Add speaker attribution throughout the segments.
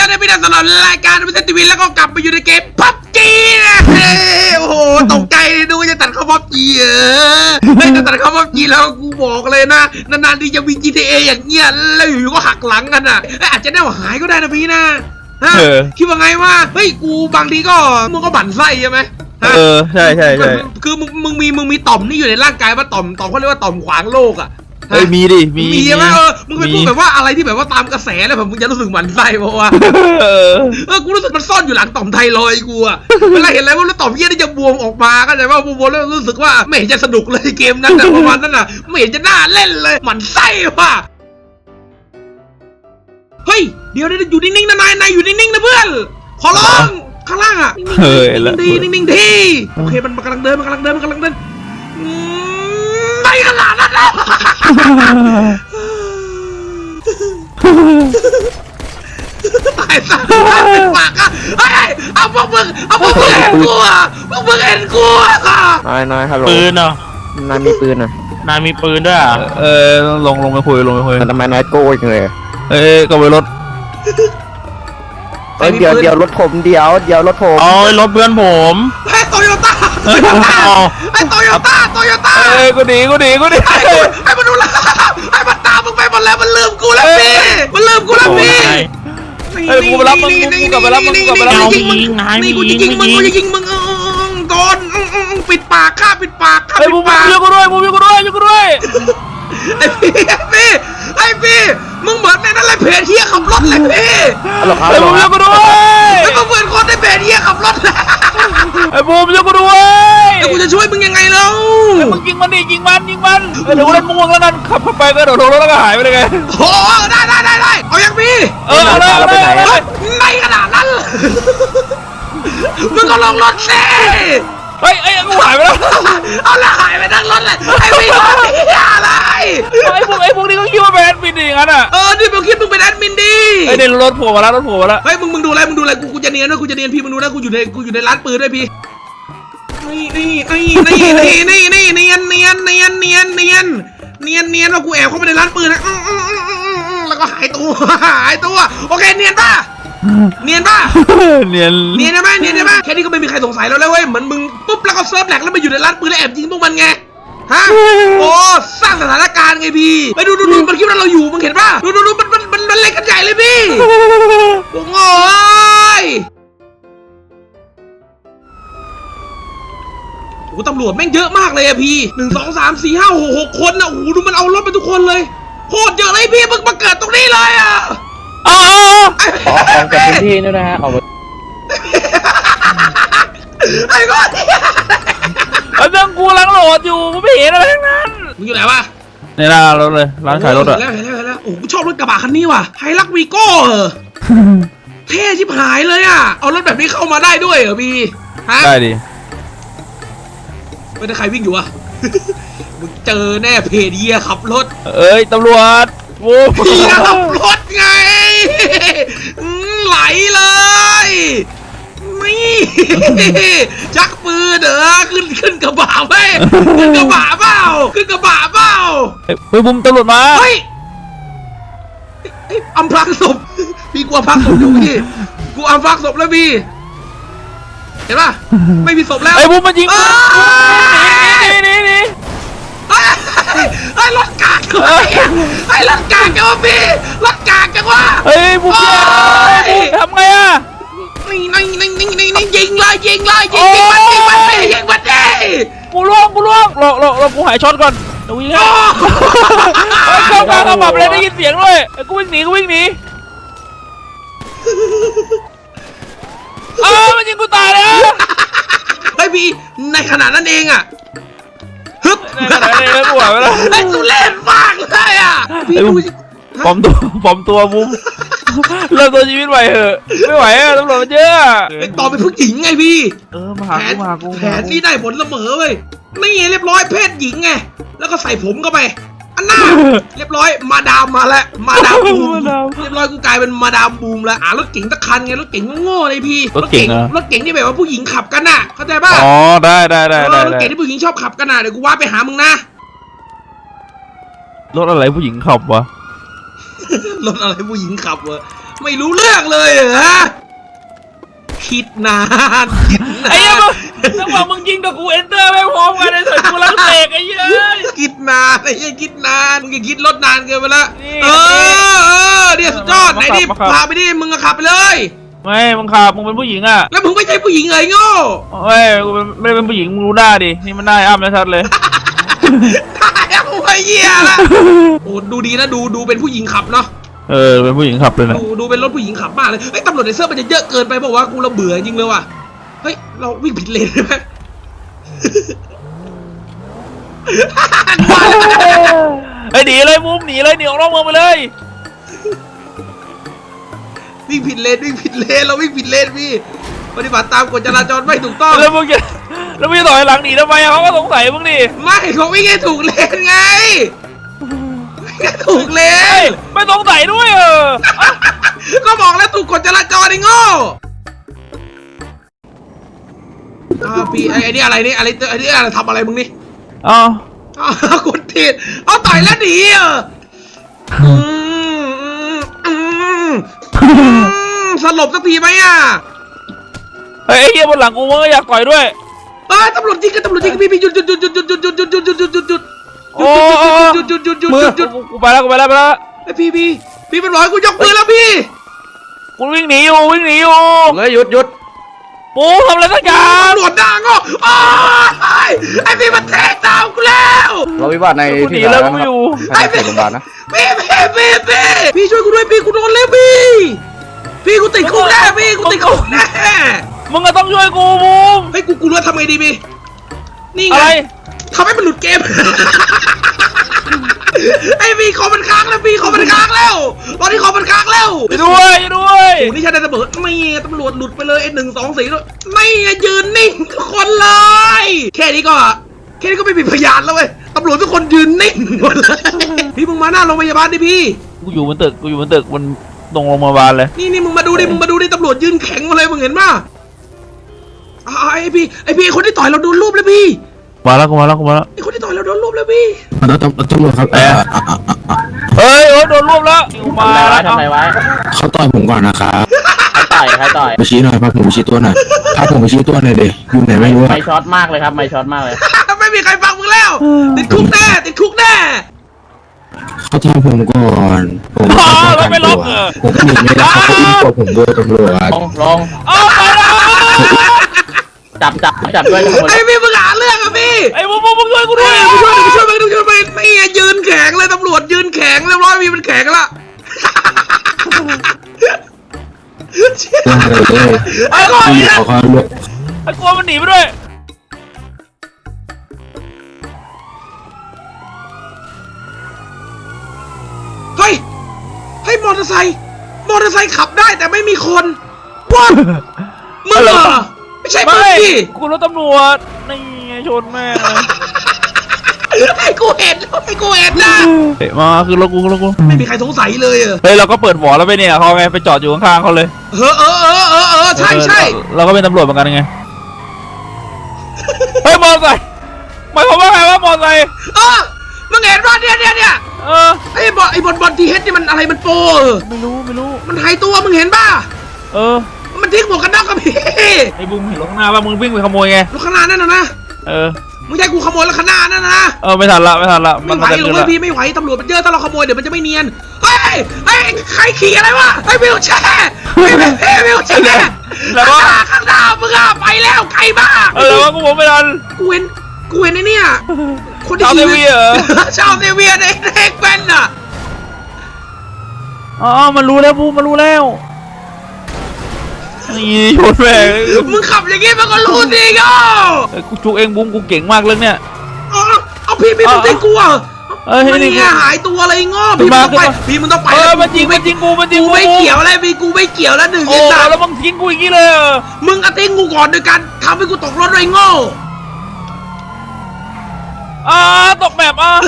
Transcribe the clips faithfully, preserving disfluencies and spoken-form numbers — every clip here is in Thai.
Speaker 1: แล้วนะพี่น้องตลอดรายการวิทยุทีวีแล้วก็กลับมาอยู่ในเกมพับจีนะโอ้โหตกใจดูจะตัดเข้าพับจีเออไม่จะตัดเข้าพับจีแล้วกูบอกเลยนะนานๆที่จะมี จี ที เอ อย่างเงี้ยแล้วอยู่ๆก็หักหลังกันอ่ะอาจจะแน่วหายก็ได้นะพี่นะคิดว่าไงว่าเฮ้ยกูบางทีก็มึงก็บั่นไส้ใช่ไหม
Speaker 2: เออใช่ใช่ใช่
Speaker 1: คือมึงมึงมีมึงมีต่อมนี่อยู่ในร่างกายว่าต่อมต่อมเขาเรียกว่าต่อมขวางโลกอ่ะ
Speaker 2: เฮ้ยมีดิมี
Speaker 1: มีใช่ไหมเออมึงเป็นพวกแบบว่าอะไรที่แบบว่าตามกระแสแล้วแบบมึงจะรู้สึกหมั่นไส้เพราะว่าเออกูรู้สึกมันซ่อนอยู่หลังต่อมไทรอยด์กูอะเวลาเห็นอะไรว่าแล้วต่อมเหี้ยนี่จะบวมออกมาก็แต่ว่าบวมแล้วรู้สึกว่าไม่เห็นจะสนุกเลยเกมนั้นนะประมาณนั้นน่ะไม่เห็นจะน่าเล่นเลยหมั่นไส้ว่ะเฮ้ยเดี๋ยวอยู่นิ่งๆนะนายนายอยู่นิ่งๆนะเพื่อนขอร้องข้างล่างอะนิ่งๆดีนิ่งๆดีโอเคมันกำลังเดินมันกำลังเดินมันกำลังเดินไม่ขนาดนั้นแล้วตายซะเป็นปากอะเฮ้ยเอาพวกมึงเอาพวกมึงเห็นกูอะพวกมึงเห็นกูอะ
Speaker 3: นายนายฮัลโหล
Speaker 2: ปืนเหรอ
Speaker 3: นายมีปืนอ่ะ
Speaker 2: นายมีปืนด้วยอ่ะเออลงลงไปคุยลงไปคุย
Speaker 3: ทำไมนายโก้จังเลย
Speaker 2: เอ้ยก็ไปรถ
Speaker 3: เดี๋ยวเดี๋ยวรถผมเดี๋ยวเดี๋ยวรถผม
Speaker 2: อ๋อรถเพื่อนผม
Speaker 1: ไอ้โตโยต้าไอ้โตโยต้าไอ้โตโยต้าโตโยต้า
Speaker 2: เอ้ยกูดีกูดีกูดี
Speaker 1: ไอ้ไอ้มันดูแลไอ้มันตามมึงไปหมดแล้วมันลืมกูแล้วพี่มันลืมกูแล้วพี่
Speaker 2: ไอ้กูไปรับมึงกูกลับไปรับมึงกูกลับไปรับมึง
Speaker 1: นี่กูจะยิงมึงกูจะยิงมึงโดนปิดปากข้าปิดปากข้าปิดปาก
Speaker 2: ไอ้กูด้วยกูกูด้วยกูด้วย
Speaker 1: ไอ้พี่ไอ้พี่ไอ้พี่มึงเหมือนในนั้นเลยเพจเฮียขับรถเลยพี่
Speaker 2: ไอ้บูมยกกูด้วย
Speaker 1: ไอ้มึงเหมือนคนในเพจเฮียขับรถ
Speaker 2: ไอ้บูมยกกูด้วย
Speaker 1: ไอ้กูจะช่วยมึงยังไงเล่า
Speaker 2: ไอ้มึงยิงมันดิยิงมันยิงมันเดี๋ยวกูเล่นม่วงแล้วกันขับเข้าไปก็โดดรถแล้วก็หายไปเลยไง
Speaker 1: โอ้ได้ได้ได้ได้เอายังพี่
Speaker 2: เออเอาเลยเอาเลย
Speaker 1: ไม่ขนาดนั้นมึงก็ลงรถสิ
Speaker 2: เฮ้ยไอ้กูหายไปแล้ว
Speaker 1: เอาละหายไปทั้งรถเลยไอ้พี่รถนี่อะไร
Speaker 2: ไอ้พวกไอ้พวกนี้ก็คิดว่าเป็นแอดมินดิงั้นอ่ะ
Speaker 1: เออนี่มึงคิดมึงเป็นแอดมินดิ
Speaker 2: ไอ้เดี๋ยวรถผัวมาแล้วรถผัวมาแล้ว
Speaker 1: เฮ้ยมึงมึงดูอะไรมึงดูอะไรกูกูจะเนียนด้วยกูจะเนียนพี่มึงดูนะกูอยู่ในกูอยู่ในร้านปืนด้วยพี่นี่นี่นี่นี่นี่นี่นี่เนียนเนียนเนียนเนียนเนียนเนียนเนียนว่ากูแอบเข้าไปในร้านปืนนะแล้วก็หายตัวหายตัวโอเคเนียนป่ะเนียนป่ะ
Speaker 2: เนียน
Speaker 1: เนียนใช่ไหมเนียนใช่ไหมแค่นี้ก็ไม่มีใครสงสัยแล้วเลยเว้ยเหมือนมึงปุ๊บแล้วก็เซิร์ฟแหลกแล้วมาอยู่ในร้านปืนแล้วแอบยิงพวกมันไงฮะโอ้สร้างสถานการณ์ไงพี่ไปดูดูดูมันคิดว่าเราอยู่มึงเห็นป่ะดูดูดูมันมันมันเล่นกันใหญ่เลยพี่โอ้โหโอ้ตำรวจแม่งเยอะมากเลยอะพี่หนึ่งสองสามสี่ห้าหกหกคนนะโอ้โหดูมันเอารถไปทุกคนเลยโคตรเยอะเลยพี่มึงมาเกิดตรงนี้เลยอะ
Speaker 2: อ๋อ
Speaker 3: ออกจากพื้นที่นี่นะฮะออกมา
Speaker 1: ไอ้ก้อน
Speaker 2: ไอ้เรื่องกูลังโหลดอยู่กูไม่เห็นอะไรทั้งนั้น
Speaker 1: มึงอยู่ไหนวะ
Speaker 2: ในร้านรถเลยร้านขายรถอะ
Speaker 1: แล้วแล้วแล้วโอ้กูชอบรถกระบะคันนี้ว่ะไฮลักวีโก้เหรอเท่ชิบหายเลยอะเอารถแบบนี้เข้ามาได้ด้วยเหรอพี่ฮะ
Speaker 2: ได้ดิ
Speaker 1: ไม่ได้ใครวิ่งอยู่อะมึงเจอแน่เพเดียขับรถ
Speaker 2: เอ้ยตำรวจโว้
Speaker 1: เพียขับรถไงไหลเลยนี่ชักปืนเด้อขึ้นขึ้นกระบะไหมขึ้นกระบะเปล่าขึ้นกระบะเปล่า
Speaker 2: เฮ้ยบุ้มตำรวจมา
Speaker 1: เฮ้ยอำพรางศพพี่กลัวพักศพอยู่พี่กูอำพรางศพแล้วพี่เห็นป่ะไม่มีศพแล้ว
Speaker 2: ไอ้บุ้มมันยิงนี่นี่นี่
Speaker 1: ไอ้รถกากเลยไอ้รถกากจังวะพี่รถกากจังวะ
Speaker 2: เฮ้ยบุ้มทำไงอ่ะ
Speaker 1: นี่นี่นี่นี่นี่นี่ยิงเลยยิงเลยยิงยิงมันยิงมันไม่ยิงมันดิ
Speaker 2: กูล่วงกูล่วงรอรอรอกูหายช็อตก่อนเดี๋ยววิ่งให้เข้ากลางกระบะเลยได้ยินเสียงด้วยกูวิ่งหนีกูวิ่งหนีอ้าวมันยิงกูตายแล้ว
Speaker 1: เฮ้ยพี่ในขนาดนั้นเองอ่ะฮึบ
Speaker 2: ในขนาดนั้นเองกูหายไปแล้ว
Speaker 1: ไอ้สุเล่นมากเลยอ่ะพี่ดู
Speaker 2: ปลอมตัวปลอมตัวบุ้มเริ่มตัวชีวิตใหม่เหอะไม่ไหวอะตำรวจมันเยอะ
Speaker 1: ไอ้ต่อเป็นผู้หญิงไงพี่
Speaker 2: เออมาหากูมาหากู
Speaker 1: แผนนี่ได้ผลเสมอเว้ยนี่เรียบร้อยเพศหญิงไงแล้วก็ใส่ผมเข้าไปอันน่าเรียบร้อยมาดามมาแล้วมาดามบูมเรียบร้อยกูกลายเป็นมาดามบูมแล้วอ่ารถเก๋งตะคันไงรถเก๋งโง่เลยพี่
Speaker 2: รถเก๋ง
Speaker 1: รถเก๋งที่แบบว่าผู้หญิงขับกันน่ะเข้าใจป่ะ
Speaker 2: อ๋อได้ได้ได้ได้
Speaker 1: รถเก๋งที่ผู้หญิงชอบขับกันน่ะเดี๋ยวกูว่าไปหามึงนะ
Speaker 2: รถอะไรผู้หญิงขับวะ
Speaker 1: รถอะไรผู้หญิงขับวะไม่รู้เรื่องเลยเหรอคิดนานคิดนา
Speaker 2: ไอ้เหี้ย
Speaker 1: น
Speaker 2: มึงจังหวะมึงยิงกับกูเอนเตอร์ไม่พร้อมกันไอ้สัตว์กูรังเตกไอ้เหี้ย
Speaker 1: คิดนานไอ้ยังคิดนานมึงอย่าคิดลดนานเกินไปละ
Speaker 2: นี่
Speaker 1: เออเออเดี๋ยวสุดยอดไหนดิ
Speaker 2: มาขับ
Speaker 1: พาไปดิมึงก็ขับไปเลย
Speaker 2: ไม่มึงขับมึงเป็นผู้หญิงอ่ะ
Speaker 1: แล้วมึงไม่ใช่ผู้หญิงเลยโง่
Speaker 2: ไม่กูเป็นไม่ได้เป็นผู้หญิงมึงรู้หน้าดินี่มันได้อ้ำแล้วชัดเลย
Speaker 1: ตายแล้วไอ้เหี้ยละโอ้ดูดีนะดูดูเป็นผู้หญิงขับเนาะ
Speaker 2: เออเป็นผู้หญิงขับเลยนะ
Speaker 1: ดูดูเป็นรถผู้หญิงขับมากเลยเฮ้ยตำรวจในเสื้อมันจะเยอะเกินไปบอกว่าวะกูเราเบื่อจริงเลยว่ะเฮ้ยเราวิ่งผิดเลนใช่ไหม
Speaker 2: ไอ้ยหนีเลยมุมหนีเลยหนีออกนอกเมืองไปเลย
Speaker 1: วิ่งผิดเลนวิ่งผิดเลนเราวิ่งผิดเลนพี่ปฏิบัติตามกฎจราจรไม่ถูกต้อง
Speaker 2: แล้วมึงจะแล้วมึงจะต่อยหลังหนีทำไมอะเขาก็สงสัยมึงดิ
Speaker 1: ไม่เขาวิ่งให้ถูกเลนไงวิ่งให้ถูกเล
Speaker 2: เฮ้ย
Speaker 1: น
Speaker 2: ไม่สงสัยด้วยเออ
Speaker 1: ก็บอกแล้วถูกกฎจราจรไอ้โง่อ่าพี่ไอ้ไอ้นี่อะไรนี่อะไรไอ้นี่อะไรทำอะไรมึงนี่
Speaker 2: อ๋อ
Speaker 1: อ้าวกดผิดเอาต่อยแล้วหนีเหรออืมอืมอืมอืมสลบสักทีไหมอ่ะ
Speaker 2: เฮ้ยไอ้เหี้ยบนหลังกูมึงก็อยากต่อยด้วย
Speaker 1: เอ้ยตำรวจจริงกันตำรวจจริงพี่พี่หยุดหยุดหยุดหยุดหยุดหยุดหยุดหยุดหยุดหยุดหยุดหยุดหยุดหยุด
Speaker 2: โอ้
Speaker 1: หยุดหยุดหยุดหยุดหยุด
Speaker 2: มือ
Speaker 1: หยุด
Speaker 2: กูกูไปแล้วกูไปแล้วไปแล้ว
Speaker 1: ไอพี่พี่พี่มันบอกให้กูยกมือแล้วพี่
Speaker 2: กูวิ่งหนีอยู่วิ่งหนีอยู่
Speaker 3: เลยหยุดหยุด
Speaker 2: ปูทำอะไรสักอย่าง
Speaker 1: ตำรวจด่างอ่ะโอ้ยไอพี่มันแทงตามกูแล้ว
Speaker 3: เราวิวาทใน
Speaker 2: กูหนี
Speaker 3: ที่
Speaker 2: แล้ว
Speaker 3: สา
Speaker 2: กู
Speaker 3: ธารณะ
Speaker 2: อยู่
Speaker 3: ภายในเขตโรงพยาบาลนะ
Speaker 1: พี่พี่พี่พี่พี่ช่วยกูด้วยพี่กูโดนแล้วพี่พี่กูติดคุกแน่พี่กูติดคุกแน่
Speaker 2: มึงก็ต้องช่วยกูบูม
Speaker 1: เฮ้ยกูกูรู้ทำไงดีพี่นี่
Speaker 2: อะ
Speaker 1: ไง
Speaker 2: ไร
Speaker 1: ทำให้มันหลุดเกม ไอพี่คอมันค้างแล้วพี่คอมันค้างแล้วตอนนี้คอมันค้างแล้ว
Speaker 2: ไปด้วยไปด้วย
Speaker 1: โอ้นี่ใช่ได้ตำรวจไม่ตำรวจหลุดไปเลยไอ้หนึ่งสองสี่ด้วยไม่ยืนนิ่งทุกคนเลย แค่นี้ก็แค่นี้ก็ไม่มีพยานแล้วเว้ยตำรวจทุกคนยืนนิ่งหมดเลย พี่มึงมาหน้าโรงพยาบาลดิพี่
Speaker 2: กูอยู่บนตึกกูอยู่บนตึกบนตรงโรงพยาบาลเลย
Speaker 1: นี่นี่มึงมาดูดิมึงมาดูดิตำรวจยืนแข็งมาเลยมึงเห็นป่ะอ่าไอพี่ไอพี่คนที่ต่อยเราโดนรูปแล้วพี่
Speaker 2: มาแล้วกูมาแล้วกูมาแล้ว
Speaker 1: ไอคนที่ต่อยเราโดนรูปแล้วพี่
Speaker 4: แล้วตำตำรวจครับเอ่ออ่ะอ่ะอ่ะอ่ะ
Speaker 2: เฮ้ยโอ้โดนรวบแล้วกูมาแล้ว
Speaker 3: ทำไรวะ
Speaker 4: เขาต่อยผมก่อนนะครับ
Speaker 3: ใครต่อยใครต่อย
Speaker 4: ไปชี้หน่อยพาผมไปชี้ตัวหน่อยพาผมไปชี้ตัวหน่อยเด็กอยู่ไหนไม่รู้อะ
Speaker 3: ไม่ช็อตมากเลยครับไม่ช็อตมากเลย
Speaker 1: ไม่มีใครฟังมึงแล้ว ติดคุกแน่ติดคุกแน่
Speaker 4: เขาทำผมก่อนผม
Speaker 2: อ๋อ
Speaker 4: ป้อง
Speaker 2: แล้ว
Speaker 4: กัน
Speaker 2: ไม่ล็
Speaker 4: ตั
Speaker 2: อก
Speaker 4: ว
Speaker 2: เออ
Speaker 4: ผมหนีไม่ได้เขาก็อุ้มตัวผมด้วยตำรวจ
Speaker 3: ลงลง
Speaker 2: เอาไปแล้ว
Speaker 3: จับจับจับด้วยจับ
Speaker 1: ไอพี่มึงหาเรื่องอะพี่
Speaker 2: ไอ้บูมบูมมึงช่วยกูด้วย
Speaker 1: ช่วยช่วยไปช่วยไปไม่ยืนแข็งเลยตำรวจยืนแข็งเรียบร้อยมีมันแข็งละ
Speaker 4: ว่าเลย
Speaker 2: ไอ้ก่อน
Speaker 4: พี่เขาเขาลวก
Speaker 2: ไอ้กลัวมันหนีไปด้วย
Speaker 1: เฮ้ยเฮ้ยมอเตอร์ไซค์มอเตอร์ไซค์ขับได้แต่ไม่มีคนว้ามึงเหรอไม่ใช่มึง
Speaker 2: ไม่
Speaker 1: ดิ
Speaker 2: กูรถตำรวจนี่ไงชนแม่งเลย
Speaker 1: ไอ้กูเห็นไอ้กูเห็นนะ
Speaker 2: เฮ้ยมาคือรถกูรถกู
Speaker 1: ไม่มีใครสงสัยเลยเออ
Speaker 2: เฮ้ยเราก็เปิดหวอแล้วไปเนี่ยเขาไงไปจอดอยู่ข้างๆเขาเลย
Speaker 1: เออเออเออเออเออใช่ใช่
Speaker 2: เออเราก็เป็นตำรวจเหมือนกันไงเฮ้ยมอเตอร์ไซค์หมายความว่าไงว่ามอเตอร์ไซค์
Speaker 1: เออมึงเห็นว่าเนี่ยเนี่ยเนี่ย
Speaker 2: เออ
Speaker 1: ไอ้บอลไอ้บอลบอลทีเฮดนี่มันอะไรมันโปเออ
Speaker 2: ไม่รู้ไม่รู้
Speaker 1: มันหายตัวมึงเห็นป่ะ
Speaker 2: เออ
Speaker 1: มันทิ้งหมวกกันน็อกกับพี่
Speaker 2: ไอ้บูมเห็นรถข้างหน้าป่ะมึงวิ่งไปขโมยไง
Speaker 1: รถข้างหน้านั่นน่ะนะ
Speaker 2: เออ
Speaker 1: มึงจะให้กูขโมยรถข้างหน้านั่นน่ะนะ
Speaker 2: เออไม่ทันละไม่ทันละ
Speaker 1: ไม่ไหว
Speaker 2: จะ
Speaker 1: หรอก
Speaker 2: เกิน
Speaker 1: เว้ย
Speaker 2: ละ
Speaker 1: พี่ไม่ไหวตำรวจมันเยอะถ้าเราขโมยเดี๋ยวมันจะไม่เนียนเฮ้ยเฮ้ยใครขี่อะไรวะไอ้วิวแชร์พี่พี่พี่วิวแชร์
Speaker 2: แล้วก็
Speaker 1: ข้างหน้ามึงอะไปแล้วไกลมาก
Speaker 2: เออแล้วว่ากูบอกไม่ทัน
Speaker 1: กูเห็นกูเห็นไอ้เนี่ยคนที่
Speaker 2: ชาวเซเวียเหรอ
Speaker 1: ชาวเซเวียในเด็กเป็นอะ
Speaker 2: อ๋อมันรู้แล้วบูมมันรู้แล้วนี่ชนแม่ง
Speaker 1: มึงขับอย่างงี้มันก็รู้สิก็
Speaker 2: เออกูจุกเองบูมกูเก่งมากเรื่องเนี้ย
Speaker 1: เอาเอาพี่พี่มึงทิ้งกูอะ
Speaker 2: เออให้
Speaker 1: มัน
Speaker 2: นี่
Speaker 1: เนี่ยหายตัวอะไรง้อพี่มึงต้องไปพี่มึงต้องไป
Speaker 2: เออ
Speaker 1: แล้ว
Speaker 2: มันจริงมันจริงกูมันจริง
Speaker 1: กูไม่เกี่ยวอะไรพี่กูไม่เกี่ยวแล้วหนึ่ง
Speaker 2: โอ้
Speaker 1: ไอ้สัตว์
Speaker 2: แล้วมึงทิ้งกูอย่างนี้เลยเหรอ
Speaker 1: มึงอะทิ้งกูก่อนโดยการทำให้กูตกรถด้วยโง่
Speaker 2: อ่าตกแบบอ่ะ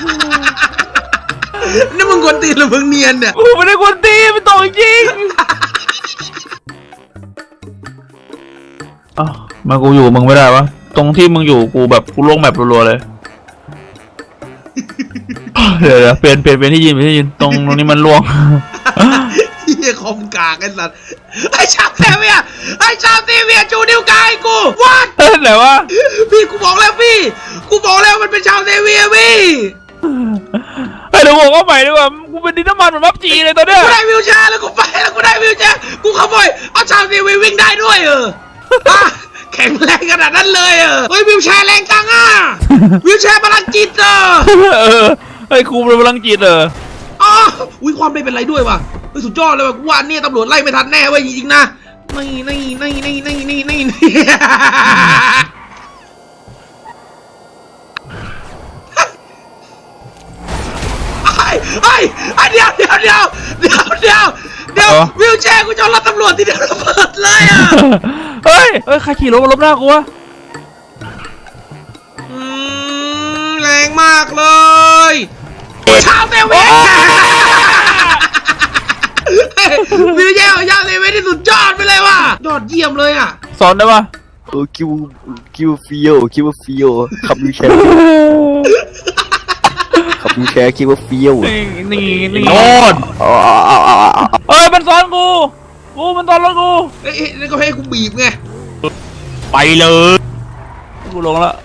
Speaker 1: นี่มึงกวนตีนหรือมึงเนียนเนี่ย
Speaker 2: กูไม่ได้กวนตีนมันตกจริงอ้าวมากูอยู่มึงไม่ได้วะตรงที่มึงอยู่กูแบบกูลงแมปรัวๆเลย เดี๋ยวเดี๋ยวเปลี่ยนเปลี่ยนเป็นที่ยืนเป็นที่ยืนตรงตรงนี้มันล่วง
Speaker 1: เหี้ยหี้ยคอมกากไอ้สัตว์ไอ้ชาวเซเวียไอ้ชาวเซเวียจูนิ้วกายกูวัด
Speaker 2: เฮ้ยไหนวะ
Speaker 1: พี่กูบอกแล้วพี่กูบอกแล้วมันเป็นชาวเซเวียพี่
Speaker 2: ไอ้เดี๋ยวบอกว่าใหม่ดีกว่ากูเป็นดินน้ำมันเหมือนพับจีเลยตอนเนี้ย
Speaker 1: กูได้วิวแชร์แล้วกูไปแล้วกูได้วิวแชร์กูขโมยเอาชาวเซเวียวิ่งได้ด้วยเอออ่ะแข็งแรงขนาดนั้นเลยเออเฮ้ยวิวแชร์แรงจังอ่ะวิวแชร์พลังจิตเออ
Speaker 2: เออไอ้ครูเป็นพลังจิตเหรอ
Speaker 1: อ๋ออุ้ยความไม่เป็นไรด้วยว่ะเฮ้ยสุดยอดเลยว่ะกูว่าเนี่ยตำรวจไล่ไม่ทันแน่เว้ยจริงๆนะนี่นี่นี่นี่นี่นี่นี่นี่ไอ้ไอ้ไอ้เดี๋ยวเดี๋ยวเดี๋ยวเดี๋ยวเดี๋ยวเดี๋ยววิวแชร์กูจะรับตำรวจที่เดียวระเบิดเลยอ่ะ
Speaker 2: เฮ้ยเฮ้ยใครขี่รถมาล้มหน้ากูวะ
Speaker 1: อืมแรงมากเลยชาวเซเว่นวิวแชร์ของชาวเซเว่นที่สุดยอดไปเลยว่ะยอดเยี่ยมเลยอ่ะ
Speaker 2: สอนได้ปะ
Speaker 5: โอ้คิวคิวฟิโอคิวฟิโอขับวิวแชร์ขับวิวแชร์คิวฟิโอ
Speaker 2: นี่นี่นี่
Speaker 3: โน่น
Speaker 5: อ๋ออ๋ออ๋ออ๋อ
Speaker 2: เฮ้ยมันซ้อนกูกูมันซ้อนรถกู
Speaker 1: เอ้ยนี่ก็ให้กูบีบไง
Speaker 2: ไปเลยกูลงแล้ว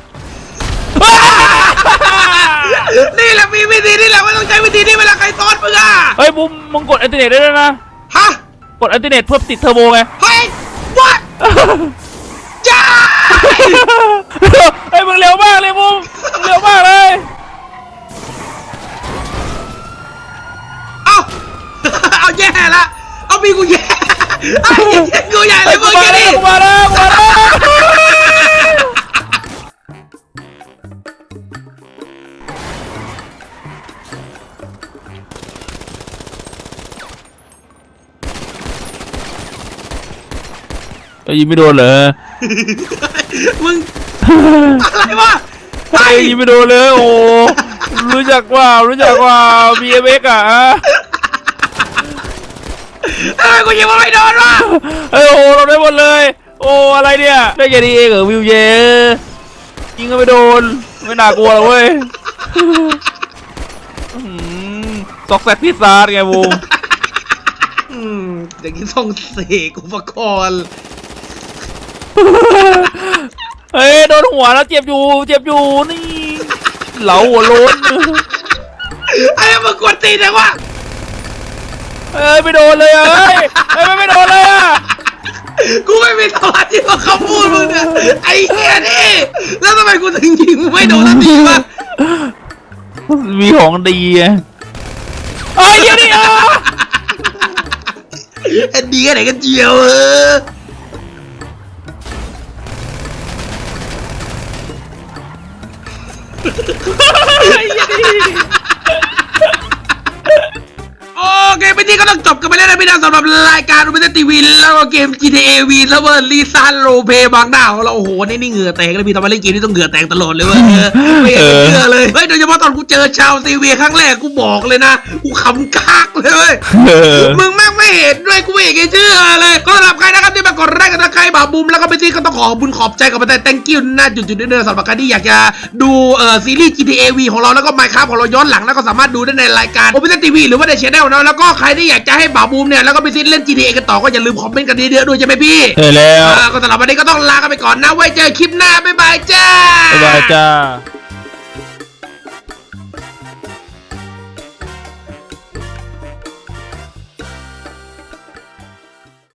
Speaker 1: นี่แหละมีวิธีนี่แหละไม่ต้องใช้วิธีนี้เวลาใครซ้อนมึงอ่ะ
Speaker 2: เฮ้ยบุมมึงกดอัลติเนตได้ด้วยนะ
Speaker 1: ฮะ
Speaker 2: กดอัลติเนตเพื่อติดเทอร์โบไง
Speaker 1: เฮ้ย what จ้า
Speaker 2: เฮ้ยมึงเร็วมากเลยบุมมึงเร็วมากเลย
Speaker 1: เอาเอาแย่ละเอามีกูแย่ไอ้กูใหญ่เลยมึง
Speaker 2: มา
Speaker 1: แค่
Speaker 2: แล้
Speaker 1: นี้
Speaker 2: วมาแล้วมาแล้วยิงไม่โดนเหรอ
Speaker 1: มึงอะไรวะ
Speaker 2: ไอ้ยิงไม่โดนเลยโอ้รู้จักว่ารู้จักว่า บี เอ็ม เอ็กซ์ อ่ะ
Speaker 1: ทำไมกูยิงมันไม่โดนวะ
Speaker 2: เฮ้ยโอ้เราได้หมดเลย โอ้อะไรเนี่ยได้แค่นี้เองเหรอวิวเยยิงก็ไม่โดนไม่น่ากลัวหรอกเว้ยซอกแซกพิซซ่าไงบูม
Speaker 1: อืมอย่างนี้ต้องเสกอุปกรณ์
Speaker 2: เฮ้ยโดนหัวแล้วเจ็บอยู่เจ็บอยู่นี่เหลาหัวโล้น
Speaker 1: ไอ้มึงกวนตีนเลยวะ
Speaker 2: เอ้ยไม่โดนเลยอ่ะเฮ้ยเฮ้ยไม่โดนเลยอ่ะ
Speaker 1: กูไม่มีสมาธิกับคำพูดมึงเนี่ยไอ้เหี้ยนี่แล้วทำไมกูถึงยิงไม่โดนสักทีวะ
Speaker 2: มีของดีไงไอ้เหี้ยนี่อ่ะ
Speaker 1: ไอ้ดีกันไหนกันเจียวเออโอเคไปที่ก็ต้องจบกันไปแล้วนะพี่น้องสำหรับรายการอุปเทศทีวีแล้วก็เกม จี ที เอ วีแล้วเวอร์ลีซ่าโรเพบางหน้าของเราโอ้โหนี่นี่เหงื่อแตกเลยพี่ทำไมเล่นเกมนี่ต้องเหงื่อแตกตลอดเลยเว้ยไม่เห็นจะเชื่อเลยเฮ้ยโดยเฉพาะตอนกูเจอชาวซีเวียครั้งแรกกูบอกเลยนะกูขำกากเลยเว้ย มึงแม่งไม่เห็นด้วยกูไม่เห็นแกเชื่อเลยก็สำหรับใครนะครับที่มากดไลค์กันนะใครบ่าวบุมแล้วก็ไปที่ก็ต้องขอบุญขอบใจกับประเทศ thank you นะจุดๆด้วยนะสำหรับใครที่อยากจะดูเอ่อซีรีส์ จี ที เอ วี ของเราแล้วก็ Minecraft ของเราย้อนหลังแล้วก็สามารถดูได้ในรายการ Open ที วี หรือว่าใน Channel นะแล้วก็ใครที่อยากจะให้บ่าวบุมเนี่ยแล้วก็ไปซีเล่น จี ที เอ กันต่อก็อย่าลืมคอมเมนต์กันเยอะๆด้วยใช่ไหมพี่
Speaker 2: เฮ้ยแล้ว
Speaker 1: อ่าก็สำหรับวันนี้ก็ต้องลากันไปก่อนนะไว้เจอคลิปหน้าบ๊ายบายจ้า
Speaker 2: บ๊ายบายจ้า